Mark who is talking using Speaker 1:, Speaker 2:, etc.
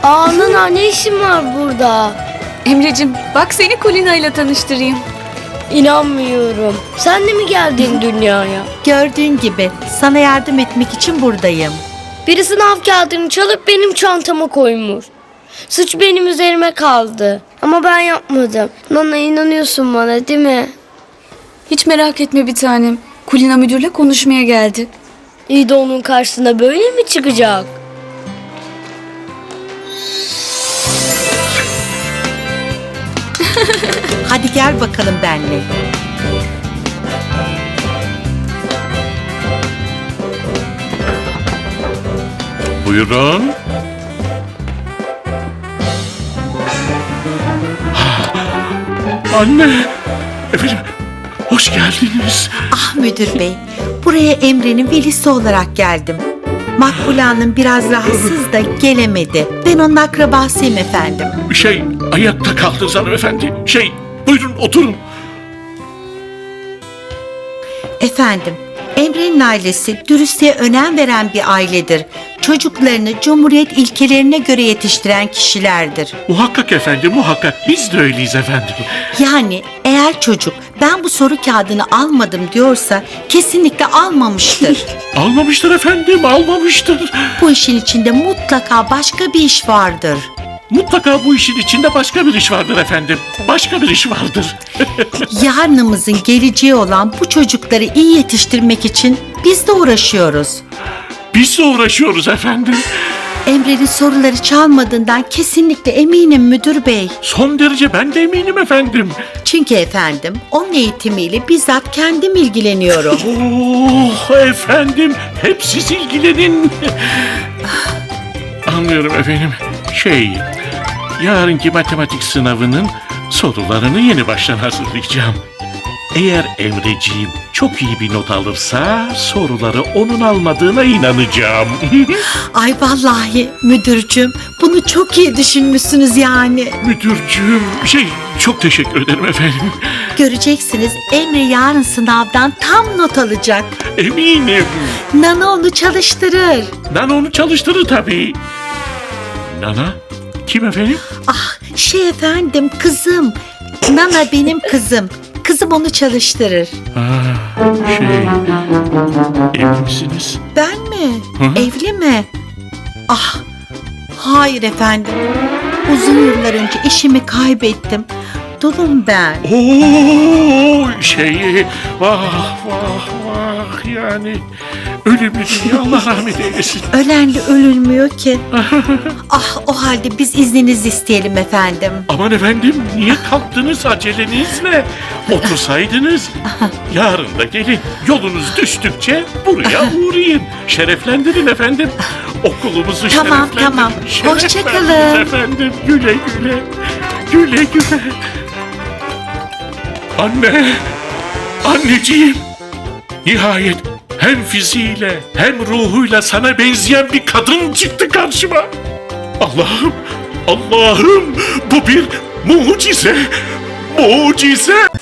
Speaker 1: Nana ne işin var burada?
Speaker 2: Emre'cim bak seni Kulina ile tanıştırayım.
Speaker 1: İnanmıyorum. Sen de mi geldin dünyaya?
Speaker 3: Gördüğün gibi sana yardım etmek için buradayım.
Speaker 1: Biri sınav kağıdını çalıp benim çantama koymuş. Suç benim üzerime kaldı. Ama ben yapmadım. Nana inanıyorsun bana değil mi?
Speaker 2: Hiç merak etme bir tanem. Kulina müdürle konuşmaya geldi.
Speaker 1: İyi de onun karşısına böyle mi çıkacak?
Speaker 3: Hadi gel bakalım benimle.
Speaker 4: Buyurun. Anne. Efendim. Hoş geldiniz.
Speaker 3: Ah müdür bey, buraya Emre'nin velisi olarak geldim. Makbule Hanım biraz rahatsız da gelemedi. Ben onun akrabasıyım efendim.
Speaker 4: Ayakta kaldınız hanımefendi. Buyurun oturun.
Speaker 3: Efendim, Emre'nin ailesi dürüstlüğe önem veren bir ailedir. Çocuklarını Cumhuriyet ilkelerine göre yetiştiren kişilerdir.
Speaker 4: Muhakkak efendim, muhakkak. Biz de öyleyiz efendim.
Speaker 3: Yani eğer çocuk ben bu soru kağıdını almadım diyorsa kesinlikle almamıştır.
Speaker 4: Almamıştır efendim, almamıştır.
Speaker 3: Bu işin içinde mutlaka başka bir iş vardır.
Speaker 4: Mutlaka bu işin içinde başka bir iş vardır efendim. Başka bir iş vardır.
Speaker 3: Yarınımızın geleceği olan bu çocukları iyi yetiştirmek için biz de uğraşıyoruz.
Speaker 4: Biz de uğraşıyoruz efendim.
Speaker 3: Emre'nin soruları çalmadığından kesinlikle eminim müdür bey.
Speaker 4: Son derece ben de eminim efendim.
Speaker 3: Çünkü efendim onun eğitimiyle bizzat kendim ilgileniyorum.
Speaker 4: Oh efendim, hep siz ilgilenin. Anlıyorum efendim. Yarınki matematik sınavının sorularını yeni baştan hazırlayacağım. Eğer Emreciğim çok iyi bir not alırsa soruları onun almadığına inanacağım.
Speaker 3: Ay vallahi müdürcüm bunu çok iyi düşünmüşsünüz yani.
Speaker 4: Müdürcüğüm, çok teşekkür ederim efendim.
Speaker 3: Göreceksiniz Emre yarın sınavdan tam not alacak.
Speaker 4: Eminim.
Speaker 3: Nana onu çalıştırır.
Speaker 4: Nana onu çalıştırır tabii. Nana? Kim efendim?
Speaker 3: Ah efendim kızım. Nana benim kızım. Kızım onu çalıştırır.
Speaker 4: Evli misiniz?
Speaker 3: Ben mi?
Speaker 4: Hı?
Speaker 3: Evli mi? Ah, hayır efendim. Uzun yıllar önce eşimi kaybettim. Dulum ben.
Speaker 4: Vah yani ölümlü dünya, Allah rahmet eylesin.
Speaker 3: Ölenle ölülmüyor ki. Ah, o halde biz izninizi isteyelim efendim.
Speaker 4: Aman efendim, niye kalktınız, aceleniz ne? Otursaydınız. Yarın da gelin, yolunuz düştükçe buraya uğrayın. Şereflendirin efendim. Okulumuzu
Speaker 3: Tamam,
Speaker 4: şereflendirin.
Speaker 3: tamam. Hoşça
Speaker 4: Şereflendirin
Speaker 3: kalın.
Speaker 4: efendim, güle güle. Güle güle. Anneciğim. Nihayet hem fiziğiyle hem ruhuyla sana benzeyen bir kadın çıktı karşıma. Allah'ım, bu bir mucize. Mucize.